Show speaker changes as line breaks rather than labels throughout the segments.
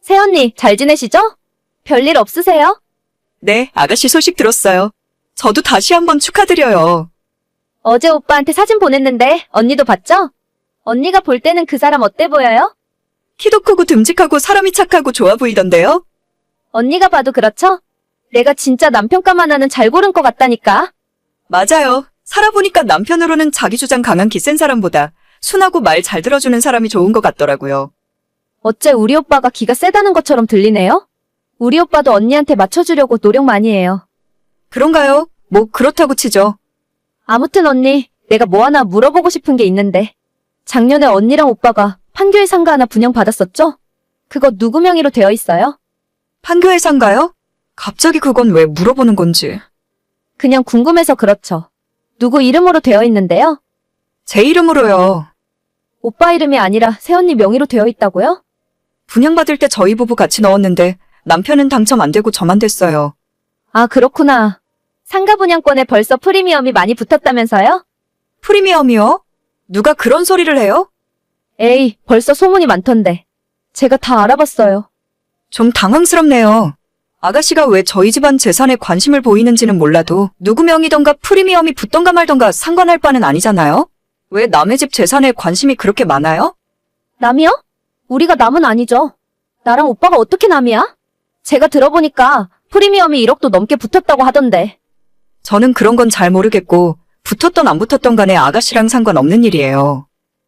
새언니, 잘 지내시죠? 별일 없으세요?
네, 아가씨 소식 들었어요. 저도 다시 한번 축하드려요.
어제 오빠한테 사진 보냈는데 언니도 봤죠? 언니가 볼 때는 그 사람 어때 보여요?
키도 크고 듬직하고 사람이 착하고 좋아 보이던데요?
언니가 봐도 그렇죠? 내가 진짜 남편감만 하는 잘 고른 것 같다니까.
맞아요. 살아보니까 남편으로는 자기 주장 강한 기 센 사람보다 순하고 말 잘 들어주는 사람이 좋은 것 같더라고요.
어째 우리 오빠가 기가 세다는 것처럼 들리네요? 우리 오빠도 언니한테 맞춰주려고 노력 많이 해요.
그런가요? 뭐 그렇다고 치죠.
아무튼 언니, 내가 뭐 하나 물어보고 싶은 게 있는데. 작년에 언니랑 오빠가 판교에 상가 하나 분양받았었죠? 그거 누구 명의로 되어 있어요?
판교에 산가요? 갑자기 그건 왜 물어보는 건지.
그냥 궁금해서 그렇죠. 누구 이름으로 되어 있는데요?
제 이름으로요.
오빠 이름이 아니라 새언니 명의로 되어 있다고요?
분양받을 때 저희 부부 같이 넣었는데 남편은 당첨 안 되고 저만 됐어요.
아, 그렇구나. 상가 분양권에 벌써 프리미엄이 많이 붙었다면서요?
프리미엄이요? 누가 그런 소리를 해요?
에이, 벌써 소문이 많던데. 제가 다 알아봤어요.
좀 당황스럽네요. 아가씨가 왜 저희 집안 재산에 관심을 보이는지는 몰라도 누구 명이던가 프리미엄이 붙던가 말던가 상관할 바는 아니잖아요? 왜 남의 집 재산에 관심이 그렇게 많아요?
남이요? 우리가 남은 아니죠. 나랑 오빠가 어떻게 남이야? 제가 들어보니까 프리미엄이 1억도 넘게 붙었다고 하던데.
저는 그런 건 잘 모르겠고 붙었던 안 붙었던 간에 아가씨랑 상관없는 일이에요.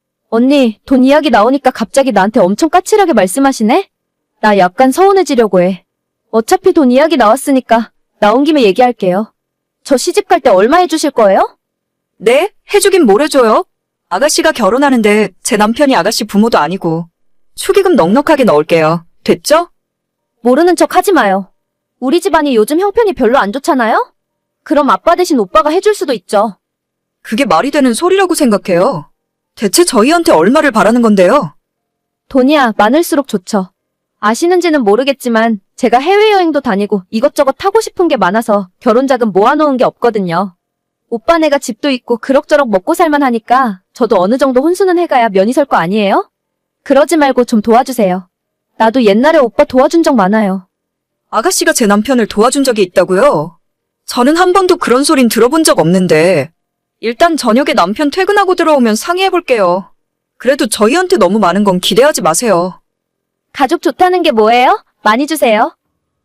언니, 돈 이야기 나오니까 갑자기 나한테 엄청 까칠하게 말씀하시네? 나 약간 서운해지려고 해. 어차피 돈 이야기 나왔으니까 나온 김에 얘기할게요. 저 시집 갈 때 얼마 해주실 거예요?
네? 해주긴 뭘 해줘요? 아가씨가 결혼하는데 제 남편이 아가씨 부모도 아니고 축의금 넉넉하게 넣을게요. 됐죠?
모르는 척 하지 마요. 우리 집안이 요즘 형편이 별로 안 좋잖아요? 그럼 아빠 대신 오빠가 해줄 수도 있죠.
그게 말이 되는 소리라고 생각해요. 대체 저희한테 얼마를 바라는 건데요?
돈이야 많을수록 좋죠. 아시는지는 모르겠지만 제가 해외여행도 다니고 이것저것 하고 싶은 게 많아서 결혼자금 모아놓은 게 없거든요. 오빠네가 집도 있고 그럭저럭 먹고 살만 하니까 저도 어느 정도 혼수는 해가야 면이 설 거 아니에요? 그러지 말고 좀 도와주세요. 나도 옛날에 오빠 도와준 적 많아요.
아가씨가 제 남편을 도와준 적이 있다고요? 저는 한 번도 그런 소린 들어본 적 없는데 일단 저녁에 남편 퇴근하고 들어오면 상의해볼게요. 그래도 저희한테 너무 많은 건 기대하지 마세요.
가족 좋다는 게 뭐예요? 많이 주세요.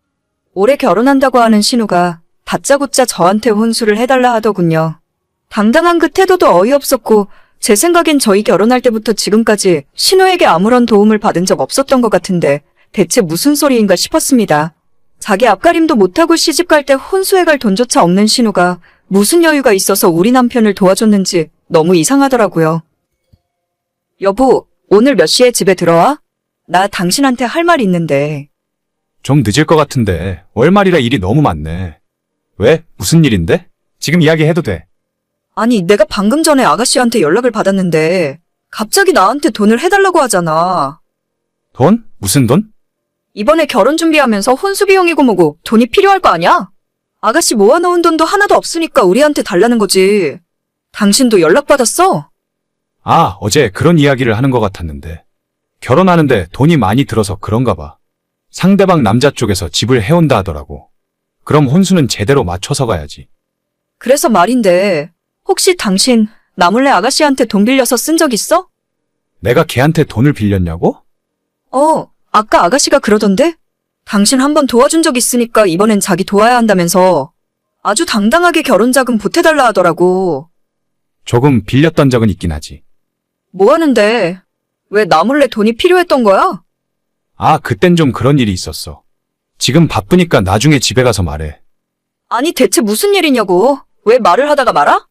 올해 결혼한다고 하는 신우가 다짜고짜 저한테 혼수를 해달라 하더군요. 당당한 그 태도도 어이없었고 제 생각엔 저희 결혼할 때부터 지금까지 신우에게 아무런 도움을 받은 적 없었던 것 같은데 대체 무슨 소리인가 싶었습니다. 자기 앞가림도 못하고 시집갈 때 혼수해갈 돈조차 없는 신우가 무슨 여유가 있어서 우리 남편을 도와줬는지 너무 이상하더라고요. 여보, 오늘 몇 시에 집에 들어와? 나 당신한테 할 말 있는데.
좀 늦을 것 같은데 월말이라 일이 너무 많네. 왜? 무슨 일인데? 지금 이야기해도 돼.
아니, 내가 방금 전에 아가씨한테 연락을 받았는데 갑자기 나한테 돈을 해달라고 하잖아.
돈? 무슨 돈?
이번에 결혼 준비하면서 혼수 비용이고 뭐고 돈이 필요할 거 아니야? 아가씨 모아놓은 돈도 하나도 없으니까 우리한테 달라는 거지. 당신도 연락받았어?
아, 어제 그런 이야기를 하는 것 같았는데. 결혼하는데 돈이 많이 들어서 그런가 봐. 상대방 남자 쪽에서 집을 해온다 하더라고. 그럼 혼수는 제대로 맞춰서 가야지.
그래서 말인데 혹시 당신 나 몰래 아가씨한테 돈 빌려서 쓴 적 있어?
내가 걔한테 돈을 빌렸냐고?
아까 아가씨가 그러던데? 당신 한번 도와준 적 있으니까 이번엔 자기 도와야 한다면서 아주 당당하게 결혼자금 보태달라 하더라고.
조금 빌렸던 적은 있긴 하지.
뭐 하는데? 왜 나 몰래 돈이 필요했던 거야?
아, 그땐 좀 그런 일이 있었어. 지금 바쁘니까 나중에 집에 가서 말해.
아니 대체 무슨 일이냐고. 왜 말을 하다가 말아?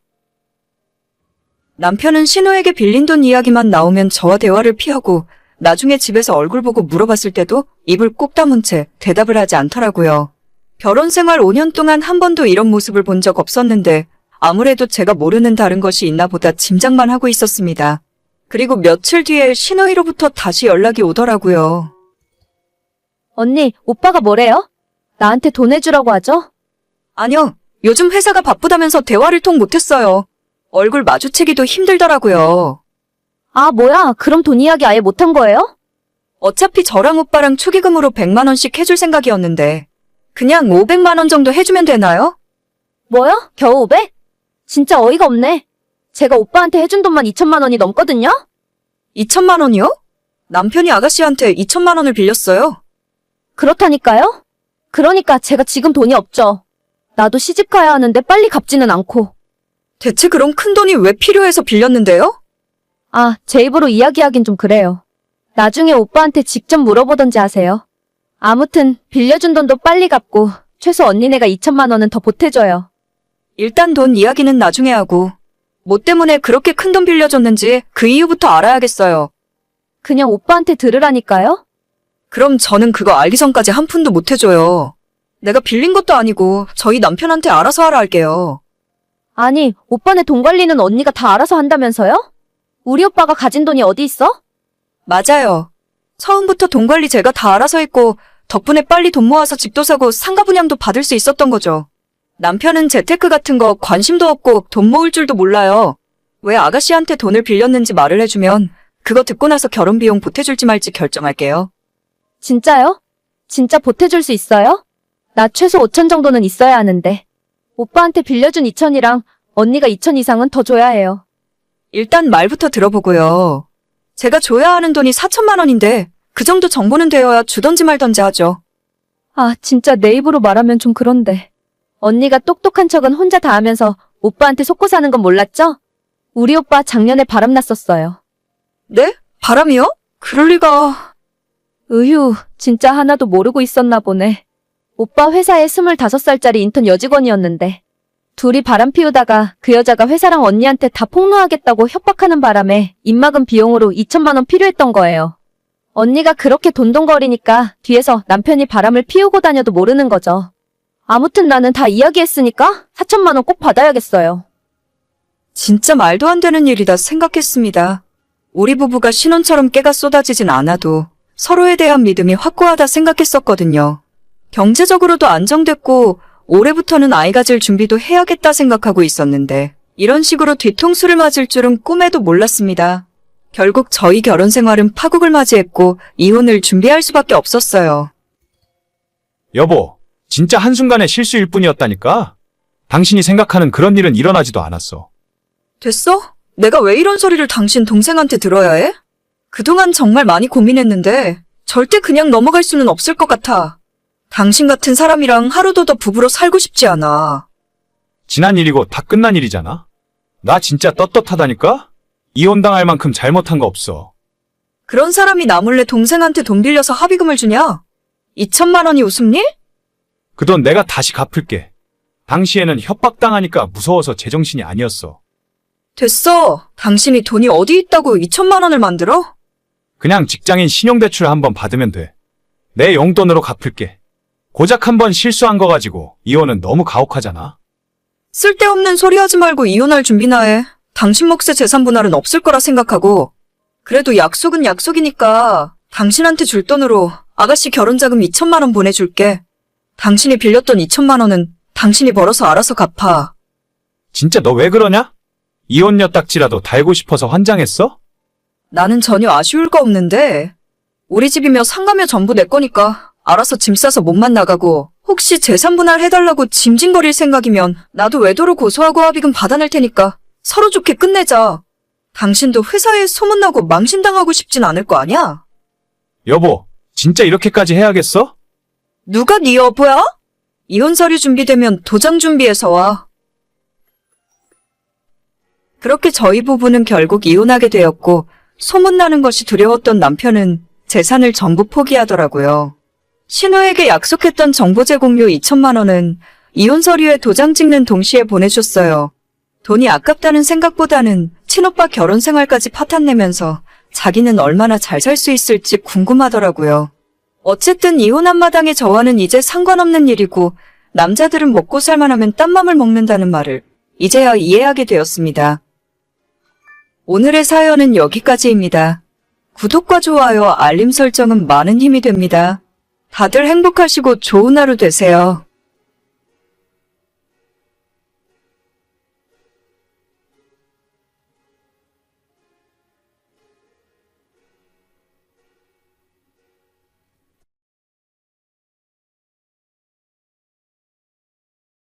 남편은 신우에게 빌린 돈 이야기만 나오면 저와 대화를 피하고 나중에 집에서 얼굴 보고 물어봤을 때도 입을 꼭 다문 채 대답을 하지 않더라고요. 결혼 생활 5년 동안 한 번도 이런 모습을 본 적 없었는데 아무래도 제가 모르는 다른 것이 있나 보다 짐작만 하고 있었습니다. 그리고 며칠 뒤에 신우이로부터 다시 연락이 오더라고요.
언니, 오빠가 뭐래요? 나한테 돈 해주라고 하죠?
아니요. 요즘 회사가 바쁘다면서 대화를 통 못했어요. 얼굴 마주치기도 힘들더라고요.
아, 뭐야? 그럼 돈 이야기 아예 못한 거예요?
어차피 저랑 오빠랑 축의금으로 100만 원씩 해줄 생각이었는데 그냥 500만 원 정도 해주면 되나요?
뭐요? 겨우 500? 진짜 어이가 없네. 제가 오빠한테 해준 돈만 2천만 원이 넘거든요?
2천만 원이요? 남편이 아가씨한테 2천만 원을 빌렸어요.
그렇다니까요? 그러니까 제가 지금 돈이 없죠. 나도 시집 가야 하는데 빨리 갚지는 않고.
대체 그럼 큰 돈이 왜 필요해서 빌렸는데요?
아, 제 입으로 이야기하긴 좀 그래요. 나중에 오빠한테 직접 물어보던지 하세요. 아무튼 빌려준 돈도 빨리 갚고 최소 언니네가 2천만 원은 더 보태줘요.
일단 돈 이야기는 나중에 하고 뭐 때문에 그렇게 큰 돈 빌려줬는지 그 이유부터 알아야겠어요.
그냥 오빠한테 들으라니까요?
그럼 저는 그거 알기 전까지 한 푼도 못 해줘요. 내가 빌린 것도 아니고 저희 남편한테 알아서 하라 할게요.
아니, 오빠네 돈 관리는 언니가 다 알아서 한다면서요? 우리 오빠가 가진 돈이 어디 있어?
맞아요. 처음부터 돈 관리 제가 다 알아서 했고 덕분에 빨리 돈 모아서 집도 사고 상가 분양도 받을 수 있었던 거죠. 남편은 재테크 같은 거 관심도 없고 돈 모을 줄도 몰라요. 왜 아가씨한테 돈을 빌렸는지 말을 해주면 그거 듣고 나서 결혼 비용 보태줄지 말지 결정할게요.
진짜요? 진짜 보태줄 수 있어요? 나 최소 5천 정도는 있어야 하는데. 오빠한테 빌려준 2천이랑 언니가 2천 이상은 더 줘야 해요.
일단 말부터 들어보고요. 제가 줘야 하는 돈이 4천만 원인데 그 정도 정보는 되어야 주던지 말던지 하죠.
아, 진짜 내 입으로 말하면 좀 그런데. 언니가 똑똑한 척은 혼자 다 하면서 오빠한테 속고 사는 건 몰랐죠? 우리 오빠 작년에 바람났었어요.
네? 바람이요? 그럴 리가...
으휴, 진짜 하나도 모르고 있었나 보네. 오빠 회사에 25살짜리 인턴 여직원이었는데 둘이 바람 피우다가 그 여자가 회사랑 언니한테 다 폭로하겠다고 협박하는 바람에 입막은 비용으로 2천만 원 필요했던 거예요. 언니가 그렇게 돈돈거리니까 뒤에서 남편이 바람을 피우고 다녀도 모르는 거죠. 아무튼 나는 다 이야기했으니까 4천만 원 꼭 받아야겠어요.
진짜 말도 안 되는 일이다 생각했습니다. 우리 부부가 신혼처럼 깨가 쏟아지진 않아도 서로에 대한 믿음이 확고하다 생각했었거든요. 경제적으로도 안정됐고 올해부터는 아이 가질 준비도 해야겠다 생각하고 있었는데 이런 식으로 뒤통수를 맞을 줄은 꿈에도 몰랐습니다. 결국 저희 결혼 생활은 파국을 맞이했고 이혼을 준비할 수밖에 없었어요.
여보, 진짜 한순간의 실수일 뿐이었다니까? 당신이 생각하는 그런 일은 일어나지도 않았어.
됐어? 내가 왜 이런 소리를 당신 동생한테 들어야 해? 그동안 정말 많이 고민했는데 절대 그냥 넘어갈 수는 없을 것 같아. 당신 같은 사람이랑 하루도 더 부부로 살고 싶지 않아.
지난 일이고 다 끝난 일이잖아? 나 진짜 떳떳하다니까? 이혼당할 만큼 잘못한 거 없어.
그런 사람이 나 몰래 동생한테 돈 빌려서 합의금을 주냐? 2천만 원이 웃음니?
그 돈 내가 다시 갚을게. 당시에는 협박당하니까 무서워서 제정신이 아니었어.
됐어. 당신이 돈이 어디 있다고 2천만 원을 만들어?
그냥 직장인 신용대출 한번 받으면 돼. 내 용돈으로 갚을게. 고작 한 번 실수한 거 가지고 이혼은 너무 가혹하잖아.
쓸데없는 소리 하지 말고 이혼할 준비나 해. 당신 몫의 재산 분할은 없을 거라 생각하고. 그래도 약속은 약속이니까 당신한테 줄 돈으로 아가씨 결혼자금 2천만 원 보내줄게. 당신이 빌렸던 2천만 원은 당신이 벌어서 알아서 갚아.
진짜 너 왜 그러냐? 이혼녀 딱지라도 달고 싶어서 환장했어?
나는 전혀 아쉬울 거 없는데 우리 집이며 상가며 전부 내 거니까 알아서 짐 싸서 몸만 나가고 혹시 재산 분할 해달라고 짐짓거릴 생각이면 나도 외도로 고소하고 합의금 받아낼 테니까 서로 좋게 끝내자. 당신도 회사에 소문나고 망신당하고 싶진 않을 거 아니야?
여보, 진짜 이렇게까지 해야겠어?
누가 네 여보야? 이혼 서류 준비되면 도장 준비해서 와. 그렇게 저희 부부는 결국 이혼하게 되었고 소문나는 것이 두려웠던 남편은 재산을 전부 포기하더라고요. 신우에게 약속했던 정보 제공료 2천만 원은 이혼 서류에 도장 찍는 동시에 보내줬어요. 돈이 아깝다는 생각보다는 친오빠 결혼 생활까지 파탄내면서 자기는 얼마나 잘 살 수 있을지 궁금하더라고요. 어쨌든 이혼한 마당에 저와는 이제 상관없는 일이고 남자들은 먹고 살만하면 딴맘을 먹는다는 말을 이제야 이해하게 되었습니다. 오늘의 사연은 여기까지입니다. 구독과 좋아요, 알림 설정은 많은 힘이 됩니다. 다들 행복하시고 좋은 하루 되세요.